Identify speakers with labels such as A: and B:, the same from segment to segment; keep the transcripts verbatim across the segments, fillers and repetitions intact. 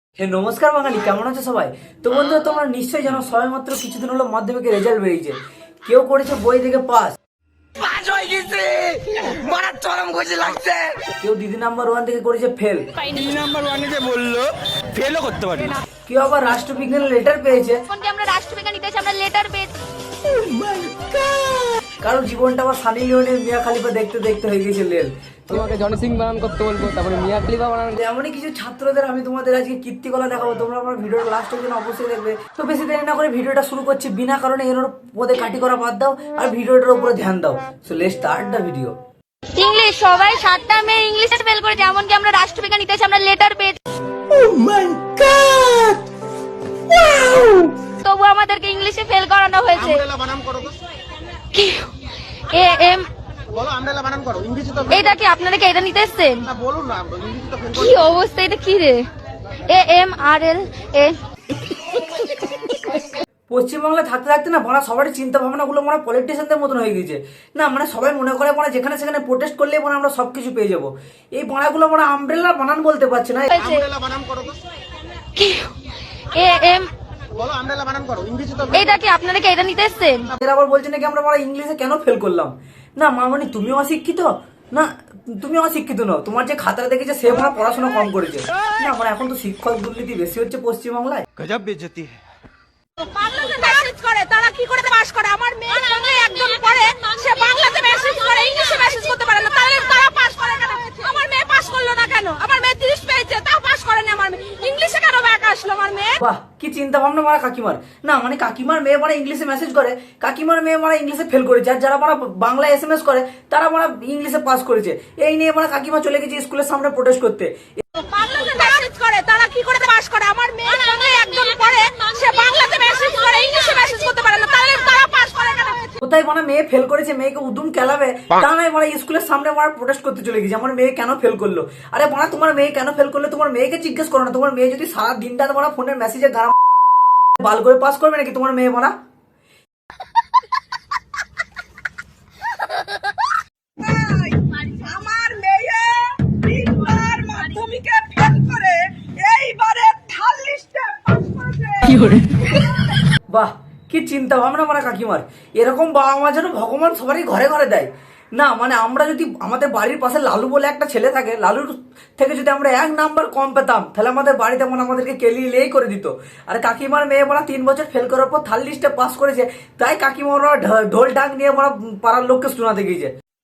A: হে নমস্কার বাঙালি, কেমন আছো সবাই? তো বন্ধুরা, তোমরা নিশ্চয়ই জানো সবেমাত্র কিছুদিন হলো মাধ্যমিকের রেজাল্ট বেরিয়েছে। কেউ করেছে বই থেকে পাস,
B: পাস হয়ে গেছে, মারা চরম খুশি লাগছে।
A: কেউ দিদি নাম্বার ওয়ান থেকে করেছে ফেল,
B: দিদি নাম্বার ওয়ানে যে বললো ফেলও করতে পারি।
A: কেউ আবার রাষ্ট্রবিজ্ঞানের লেটার পেয়েছে,
C: কোনটি আমরা রাষ্ট্রবিজ্ঞান নিতে আমরা লেটার পেয়েছি।
A: কারণ জীবনটা আবার সানি লিওনের মিয়া খালিফা দেখতে দেখতে হয়ে গেছে লেল।
D: তোমাকে জনি সিং বানান করতে বলবো, তারপরে মিয়া খলিফা বানান।
A: এমনই কিছু ছাত্রদের আমি তোমাদের আজকে কীর্তিকলা দেখাবো, তোমরা আমার ভিডিওটা লাস্ট পর্যন্ত অবশ্যই দেখবে। তো বেশি দেরি না করে ভিডিওটা শুরু করছি। বিনা কারণে এর পদে কাটি করা বাদ দাও আর ভিডিওটার উপরে ধ্যান দাও। So let's start the video.
C: English সবাই সাতটা মেয়ে ইংলিশে ফেল করেছে, এমনকি আমরা রাষ্ট্রবিজ্ঞান নিতে আমরা লেটার পেয়েছি। তবু আমাদেরকে ইংলিশে ফেল করানো হয়েছে। কি এ এম
E: বলো আমরেলা বানান করো, ইংরেজি তো
C: এটা কি আপনারা কি এটা নিতে এসেছেন?
E: না বলুন না, ইংরেজি তো ফেল
C: কি অবস্থা, এটা কি রে? এ এম আর এল এ
A: পশ্চিমবাংলায় থাকতে থাকতে না মানে সবারই চিন্তা ভাবনা গুলো মানে পলিটিশিয়ানদের মতন হয়ে গেছে। না মানে সবাই মনে করে মানে যেখানে সেখানে প্রোটেস্ট করলে মানে আমরা সবকিছু পেয়ে যাবো। এই বানাগুলো মানে আমব্রেলা বানান বলতে পারছে না।
C: হয়েছে।
E: আমরেলা বানান করো তো,
C: কি এ এম
E: বলো আমরেলা বানান করো, ইংরেজি তো
C: এটা কি আপনারা কি এটা নিতে এসেছেন?
A: এরা আবার বলছে নাকি আমরা মানে ইংলিশে কেন ফেল করলাম। না মামনি তুমিও অশিক্ষিত না, তুমি অশিক্ষিত নও। তোমার যে খাতাটা দেখেছে সে মানে পড়াশোনা কম করেছে। না মানে এখন তো শিক্ষক দুর্নীতি বেশি হচ্ছে পশ্চিমবাংলায়।
B: গজব বেজতি
F: বাংলাতে মেসেজ করে, তারা কি করে পাস করে? আমার মেয়ে সঙ্গে একজন পড়ে, সে বাংলাতে মেসেজ করে, ইংলিশে মেসেজ করতে পারে না, তাহলে তারা পাস করে কেন? আমার মেয়ে পাস করলো না কেন? আমার মেয়ে তিরিশ পেয়েছে, তাও পাস করেনি। আমার মেয়ে ইংলিশে কেন ব্যাক আসলো আমার মেয়ে?
A: বাহ কি চিন্তা ভাবনা মানে কাকিমার। না মানে কাকিমার মেয়ে মানে ইংলিশে মেসেজ করে, কাকিমার মেয়ে মানে ইংলিশে ফেল করেছে, আর যারা মানে বাংলা এস এম এস করে তারা মানে ইংলিশে পাস করেছে। এই নিয়ে মানে কাকিমা চলে গেছে স্কুলের সামনে প্রোটেস্ট করতে।
F: বাংলাতে মেসেজ করে, তারা কি করে পাস করে? আমার মেয়ে সঙ্গে একজন পড়ে, সে বাংলাতে মেসেজ করে, ইংলিশে মেসেজ করতে পারে না, তাহলে তারা পাস করে কেন?
A: কোথায় মানে মেয়ে ফেল করেছে, মেয়েকে উদুম খেলাবে তা নয় মানে স্কুলের সামনে মানে প্রোটেস্ট করতে চলে গেছে আমার মেয়ে কেন ফেল করলো। আরে মানে তোমার মেয়ে কেন ফেল করলো তোমার মেয়েকে জিজ্ঞেস করো না। তোমার মেয়ে যদি সারা দিনটা তোমার ফোনের মেসেজে গান বাল করে পাস করবে নাকি তোমার মেয়ে মানা?
F: আমার মেয়ে তিনবার মাধ্যমিকে ফেল করে এইবারে থার্ড লিস্টে পাস করেছে।
A: বাহ কি চিন্তা ভাবনা মানে কাকিমার। এরকম বাবা মা যেন ভগবান সবারই ঘরে ঘরে দেয়। না মানে আমরা যদি আমাদের বাড়ির পাশে লালু বলে একটা ছেলে থাকে, লালুর থেকে যদি আমরা এক নাম্বার কম পেতাম তাহলে আমাদের বাড়িতে মানে আমাদেরকে কেলিলেই করে দিত। আর কাকিমার মেয়ে মানে তিন বছর ফেল করার পর থার্ড লিস্টে পাস করেছে, তাই কাকিমা ওরা ঢোল ডাক নিয়ে মানে পাড়ার লোককে শোনাতে গিয়েছে।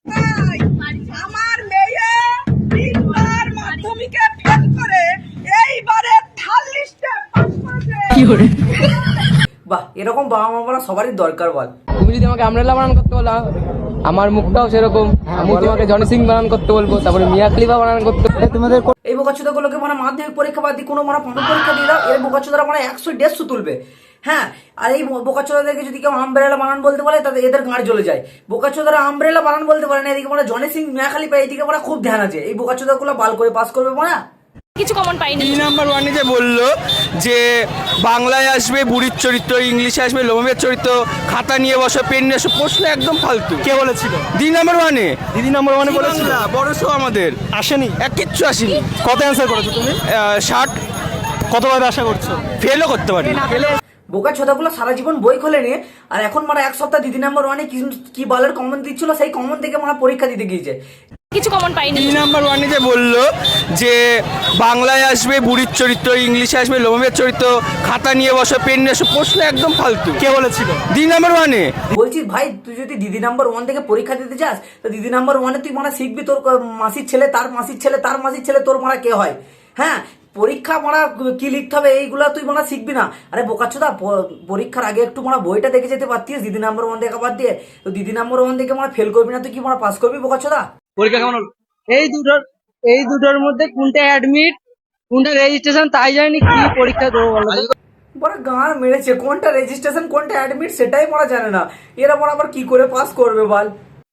F: আমার মেয়ে তিনবার মাধ্যমিকে ফেল করে এইবারে থার্ড লিস্টে পাস করেছে।
A: বাহ এরকম বাবা মা মানে সবারই দরকার বল।
D: তুমি যদি আমাকে আমরেলা বানান করতে বলো, আমার মুখটাও সেরকম। আমি তোমাকে জনি সিং বানান করতে বলবো, তারপরে মিয়া খলিফা বানান করতে তোমাদের।
A: এই বোকাচোদা গুলোকে মানে মাধ্যমিক পরীক্ষা বাদ দিয়ে কোনো মানে পণ্য পরীক্ষা দিয়ে দাও, এই বোকাচোদারা মানে একশো দেড়শো তুলবে। হ্যাঁ আর এই বোকাচোদাদেরকে যদি কেউ আমব্রেলা বানান বলতে পারে তাদের এদের গাঁড় জ্বলে যায়। বোকাচোদারা আমব্রেলা বানান বলতে পারে না, এদিকে মানে জনি সিং মিয়া খালিফা এইদিকে মানে খুব ধ্যান আছে। এই বোকাচোদা গুলো বাল করে পাস করবে মানে।
C: কিছু কমন পাইনি।
B: দিদি নাম্বার ওয়ানে যে বললো যে বাংলায় আসবে বুড়ির চরিত্র, ইংলিশে আসবে লোমের চরিত্র, খাতা নিয়ে বসো, পেন নিয়ে বসো, প্রশ্ন একদম ফালতু। কে বলেছিল? দিদি নাম্বার ওয়ানে দিদি নাম্বার ওয়ানে বলেছিল। বড় শো আমাদের আসেনি, এক কিচ্ছু আসেনি। কত অ্যান্সার করেছো তুমি? ষাট। কতবার আশা করছো? ফেলও করতে পারি।
A: বোকা ছোদাগুলো সারা জীবন বই খোলে নিয়ে আর এখন মানে এক সপ্তাহ দিদি নাম্বার ওয়ানে কি বালের কমন দিচ্ছিল, সেই কমন থেকে মানে পরীক্ষা দিতে গিয়েছে।
C: কিছু কমন পাইনি।
B: দিদি নাম্বার ওয়ানে যে বললো যে বাংলায় আসবে বুড়ির চরিত্র, ইংলিশে আসবে লোমের চরিত্র, খাতা নিয়ে বসো, পেন নিয়ে বসো, প্রশ্ন একদম ফালতু। কে বলেছিল? দিদি নাম্বার ওয়ানে।
A: বলছি ভাই তুই যদি দিদি নাম্বার ওয়ান থেকে পরীক্ষা দিতে চাস তো দিদি নাম্বার ওয়ানে তুই মানে শিখবি তোর মাসির ছেলে তার মাসির ছেলে তার মাসির ছেলে তোর মারা কে হয়। হ্যাঁ পরীক্ষা মারা কি লিখতে হবে এইগুলা তুই মানে শিখবি না। আরে বোকাচ্ছোদা পরীক্ষার আগে একটু মানে বইটা দেখে যেতে পারতিস দিদি নাম্বার ওয়ান দেখা বাদ দিয়ে। তো দিদি নাম্বার ওয়ান থেকে মানে ফেল করবি না, তুই কি মানে পাস করবি বোকাচ্ছোদা?
D: পরীক্ষা কেমন হলো? এই দুটোর এই দুটোর মধ্যে কোনটা অ্যাডমিট কোনটা রেজিস্ট্রেশন তাই জানি কি পরীক্ষা দেবো বলো তো?
A: বড় গান মেরেছে, কোনটা রেজিস্ট্রেশন কোনটা অ্যাডমিট সেটাই মারা জানে না। এরা মানে আবার কি করে পাস করবে বল?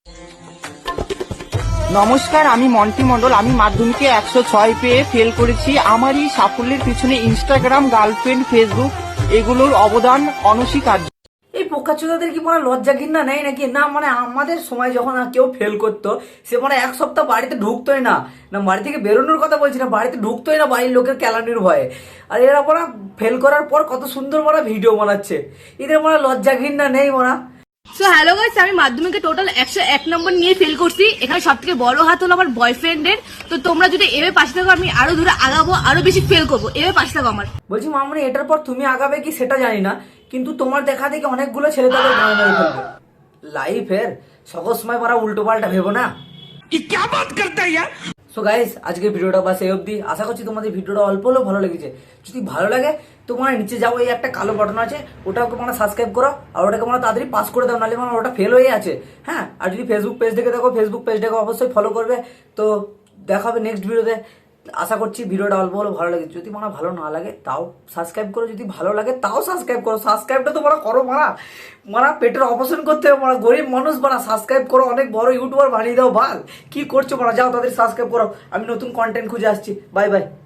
G: নমস্কার, আমি মন্টি মন্ডল। আমি মাধ্যমিকে একশো ছয় পেয়ে ফেল করেছি। আমার এই সাফল্যের পিছনে ইনস্টাগ্রাম, গার্লফ্রেন্ড, ফেসবুক এগুলোর অবদান অনস্বীকার্য।
A: এই পোকাচোদাদের কি মানে লজ্জা ঘৃণা নেই নাকি? না মানে আমাদের সময় যখন কেউ ফেল করতো সে মানে এক সপ্তাহ বাড়িতে ঢুকতোই না, না বাড়ি থেকে বেরোনোর কথা বলছি না, বাড়িতে ঢুকতোই না বাড়ির লোকের ক্যালানির ভয়ে। আর এরা মানে ফেল করার পর কত সুন্দর মানে ভিডিও বানাচ্ছে, এদের মানে লজ্জা ঘৃণা নেই মানে।
F: সো হ্যালো গাইস, আমি মাধ্যমিকে টোটাল একশো এক নম্বর নিয়ে ফেল করছি। এখানে সব থেকে বড় হাত হলো আমার বয়ফ্রেন্ডের। তো তোমরা যদি এভাবে পাশে থাকো আমি আরো দূরে আগাবো, আরো বেশি ফেল করবো। এভাবে পাশে থাকো আমার।
A: বলছি মামনি এটার পর তুমি আগাবে কি সেটা জানি না, কিন্তু তোমার দেখা দেখি অনেকগুলো ছেলে তাদের গায়ে মেরে ফেলবে লাইফের সকল সময় মারা উল্টো পাল্টা ভেবো না। সো গাইস আজকে ভিডিওটা বাস এই অবধি। আশা করছি তোমাদের ভিডিওটা অল্প হলেও ভালো লেগেছে। যদি ভালো লাগে তোমার নিচে যাও, এই একটা কালো বাটন আছে, ওটাকে মানে সাবস্ক্রাইব করো আর ওটাকে মানে তাড়াতাড়ি পাস করে দাও, নাহলে মানে ওটা ফেল হয়ে আছে। হ্যাঁ, আর যদি ফেসবুক পেজ থেকে দেখো ফেসবুক পেজটাকে অবশ্যই ফলো করবে। তো দেখা হবে নেক্সট ভিডিওতে। আশা করছি ভিডিওটা অল্প হলেও ভালো লাগে। যদি মানে ভালো না লাগে তাও সাবস্ক্রাইব করো, যদি ভালো লাগে তাও সাবস্ক্রাইব করো। সাবস্ক্রাইবটা তো মারা করো, মারা মারা পেটের অপারেশন করতে হবে, মারা গরিব মানুষ মারা সাবস্ক্রাইব করো, অনেক বড় ইউটিউবার বানিয়ে দাও। ভাল কি করছো মারা, যাও তাদের সাবস্ক্রাইব করো। আমি নতুন কন্টেন্ট খুঁজে আসছি। Bye by.